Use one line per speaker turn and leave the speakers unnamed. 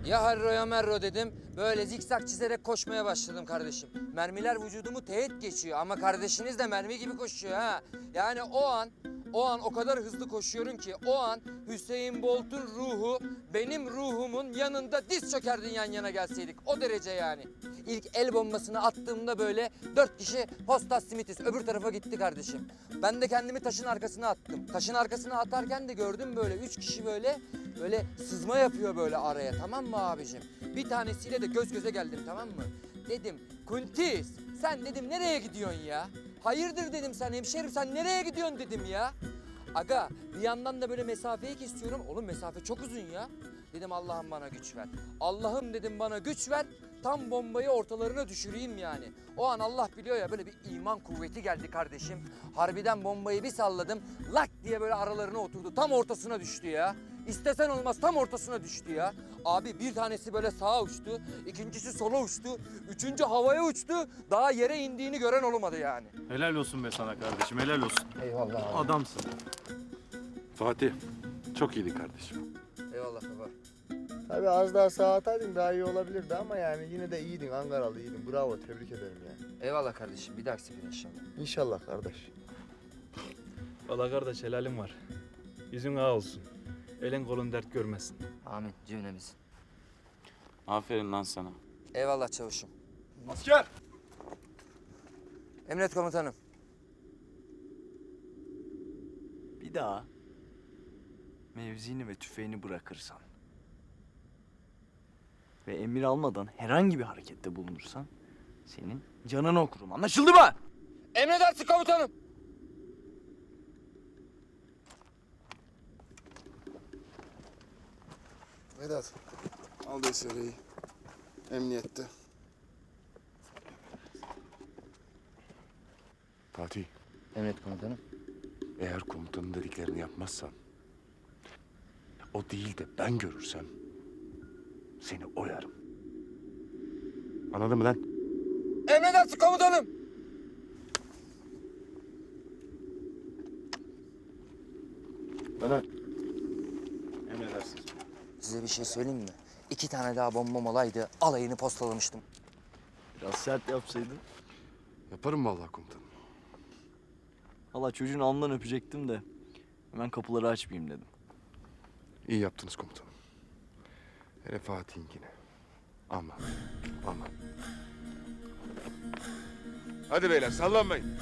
Ya Harro ya Merro dedim. Böyle zikzak çizerek koşmaya başladım kardeşim. Mermiler vücudumu teğet geçiyor ama kardeşiniz de mermi gibi koşuyor ha. Yani o an o kadar hızlı koşuyorum ki o an Hüseyin Bolt'un ruhu benim ruhumun yanında diz çökerdin yan yana gelseydik. O derece yani. İlk el bombasını attığımda böyle 4 kişi postas simitiz öbür tarafa gitti kardeşim. Ben de kendimi taşın arkasına attım. Taşın arkasına atarken de gördüm böyle 3 kişi böyle sızma yapıyor böyle araya, tamam mı abicim? Bir tanesiyle de göz göze geldim, tamam mı? Dedim Kuntiz sen dedim nereye gidiyorsun ya? Hayırdır dedim, sen hemşerim sen nereye gidiyorsun dedim ya. Aga bir yandan da böyle mesafeyi kesiyorum. Oğlum mesafe çok uzun ya. Dedim Allah'ım bana güç ver. Allah'ım dedim bana güç ver. Tam bombayı ortalarına düşüreyim yani. O an Allah biliyor ya böyle bir iman kuvveti geldi kardeşim. Harbiden bombayı bir salladım. Lak diye böyle aralarına oturdu. Tam ortasına düştü ya. İstesen olmaz tam ortasına düştü ya. Abi bir tanesi böyle sağa uçtu. İkincisi sola uçtu. Üçüncü havaya uçtu. Daha yere indiğini gören olmadı yani.
Helal olsun be sana kardeşim, helal olsun.
Eyvallah abi.
Adamsın.
Fatih, çok iyiydin kardeşim.
Eyvallah baba.
Tabii az daha sağa ataydın daha iyi olabilirdi ama yani yine de iyiydin, Ankaralı iyiydin. Bravo, tebrik ederim yani.
Eyvallah kardeşim. Bir dahaki sefere inşallah.
İnşallah kardeş.
Valla kardeş helalim var. Yüzün ağa olsun. Elin kolun dert görmesin.
Amin cümlemiz.
Aferin lan sana.
Eyvallah çavuşum.
Asker!
Emret komutanım.
Bir daha mevzini ve tüfeğini bırakırsan ve emir almadan herhangi bir harekette bulunursan senin canını okurum. Anlaşıldı mı?
Emredersin komutanım.
Vedat, al DSR'yi. Emniyette.
Fatih,
Emret komutanım.
eğer komutanın dediklerini yapmazsan, o değil de ben görürsem seni oyarım. Anladın mı lan?
Emredersin komutanım.
Bana emredersiniz.
Size bir şey söyleyeyim mi? 2 tane daha bombam olaydı alayını postalamıştım.
Biraz sert yapsaydın.
Yaparım vallahi komutanım.
Valla çocuğun alnından öpecektim de hemen kapıları açmayayım dedim.
İyi yaptınız komutanım. Hele Fatih'inkine. Aman, aman. Hadi beyler sallanmayın.